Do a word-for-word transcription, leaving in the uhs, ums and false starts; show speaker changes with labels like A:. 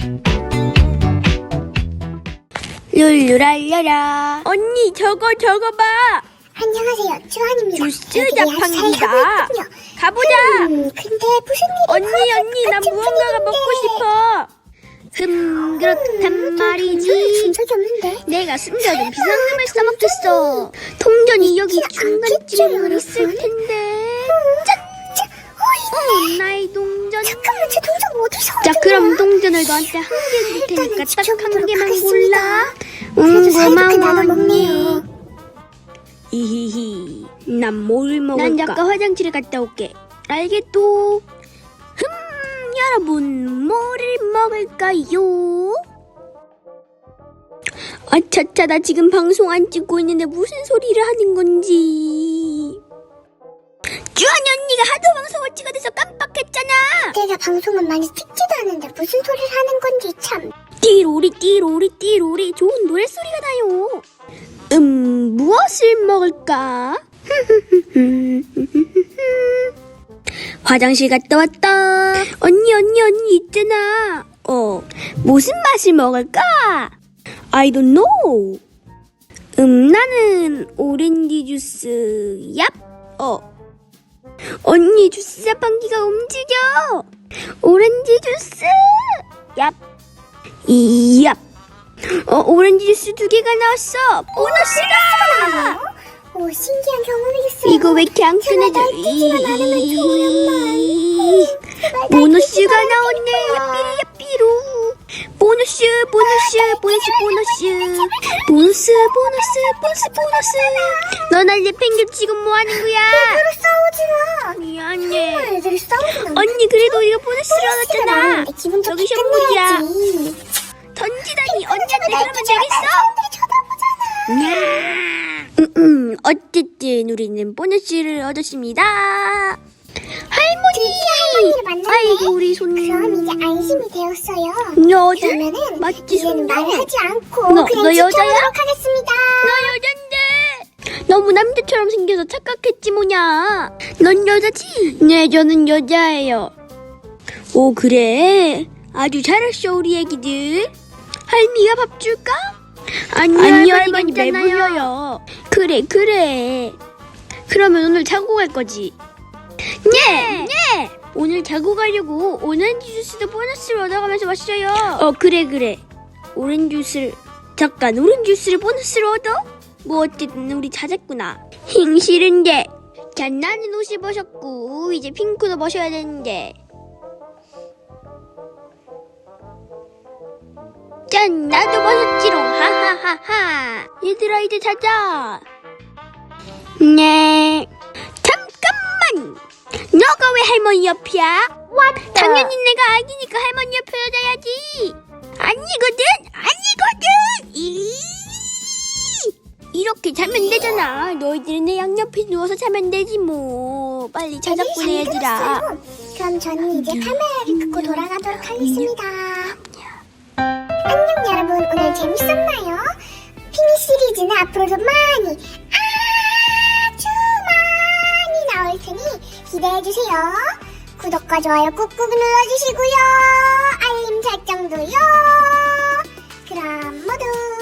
A: 룰루랄라라. 언니 저거 저거 봐.
B: 안녕하세요, 주한입니다.
A: 주스 자판기다. 가보자.
B: 음, 근데 무슨 일이
A: 언니
B: 벌어질
A: 언니
B: 것
A: 난
B: 같은
A: 무언가가
B: 분위기인데.
A: 먹고 싶어. 흠 그렇단
B: 음,
A: 말이지.
B: 돈을 준 적이 없는데.
A: 내가 숨겨둔 비상금을 써먹겠어. 통전이 여기
B: 그렇지
A: 중간쯤에
B: 않겠죠,
A: 있을
B: 여러분?
A: 텐데.
B: 짠! 짠! 어, 있네.
A: 어, 나의 동전.
B: 잠깐만, 제 동전 어디서
A: 자
B: 얻은
A: 그럼
B: 거야?
A: 동전을 너한테 한 개 줄 테니까
B: 일단은
A: 딱 한
B: 지켜보도록
A: 개만
B: 하겠습니다.
A: 골라.
B: 그래도
A: 응
B: 사이좋게 나눠
A: 고마워 언니.
B: 먹네요.
A: 히히히 난 뭘 먹을까? 난 잠깐 화장실에 갔다 올게. 알겠도. 흠 여러분 뭐를 먹을까요? 아차차 나 지금 방송 안 찍고 있는데 무슨 소리를 하는 건지. 주한이 언니가 하도 방송을 찍어대서 깜빡했잖아.
B: 내가 방송은 많이 찍지도 않는데 무슨 소리를 하는 건지 참.
A: 띠로리 띠로리 띠로리 좋은 노랫소리가 나요. 음 무엇을 먹을까? 화장실 갔다 왔다. 언니 언니 언니 있잖아. 어 무슨 맛을 먹을까? I don't know. 음 나는 오렌지 주스. 얍. 어 언니 주스 자판기가 움직여. 오렌지 주스. 얍. 이얍. 어 오렌지 주스 두 개가 나왔어. 보너스다.
B: 오, 신기한 경험이겠어요.
A: 이거 왜 이렇게 안
B: 제발
A: 끊어져?
B: 날뛰지만 않으면 좋으련만. 제발
A: 보너스가
B: 날뛰지만
A: 나왔네.
B: 않을게요.
A: 야삐리 야삐로. 보너스 보너스 보너스 보너스 보너스 보너스 보너스 보너스. 너 날 내팽겨 지금 뭐 하는 거야?
B: 서로 싸우지 마.
A: 미안해.
B: 정말 애들이 싸우지 마.
A: 언니 그래도 우리가 보너스를 얻었잖아.
B: 나왔는데 기분
A: 저기
B: 좋게
A: 션물이야.
B: 끝내야지.
A: 던지다니 언니한테 그러면
B: 날뛰지 마.
A: 되겠어?
B: 사람들이 쳐다보잖아.
A: 음, 음, 어쨌든 우리는 보너스를 얻었습니다. 할머니!
B: 할머니를 만났네.
A: 아이고 우리 손.
B: 그럼 이제 안심이 되었어요.
A: 여자?
B: 그러면은
A: 맞지,
B: 이제는
A: 손녀?
B: 말을 하지 않고
A: 너-
B: 그냥
A: 너 여자야?
B: 지켜보도록 하겠습니다.
A: 너 여잔데. 너무 남자처럼 생겨서 착각했지 뭐냐. 넌 여자지? 네 저는 여자예요. 오 그래? 아주 잘했어 우리 애기들. 할미가 밥 줄까? 아니, 아니 할머니 배불러요. 그래 그래. 그러면 오늘 자고 갈 거지? 네! 네! 오늘 자고 가려고 오렌지 주스도 보너스를 얻어가면서 왔어요. 어 그래 그래. 오렌지 주스를 잠깐 오렌지 주스를 보너스로 얻어? 뭐 어쨌든 우리 찾았구나. 힝 싫은데. 자 나는 옷을 벗었고 이제 핑크도 벗어야 되는데. 짠 나도 벗었지롱. 하하하하. 얘들아 이제 자자. 네. 잠깐만. 너가 왜 할머니 옆이야?
B: 왔다.
A: 당연히 내가 아기니까 할머니 옆에 앉아야지. 아니거든. 아니거든. 이 이렇게 자면 되잖아. 너희들은 내 양옆에 누워서 자면 되지 뭐. 빨리 자자꾸나
B: 네,
A: 얘들아.
B: 잠들었어요. 그럼 저는 이제 카메라를 끄고 돌아가도록 하겠습니다. 안녕 여러분, 오늘 재밌었나요? 피니 시리즈는 앞으로도 많이 아주 많이 나올 테니 기대해주세요. 구독과 좋아요 꾹꾹 눌러주시고요. 알림 설정도요. 그럼 모두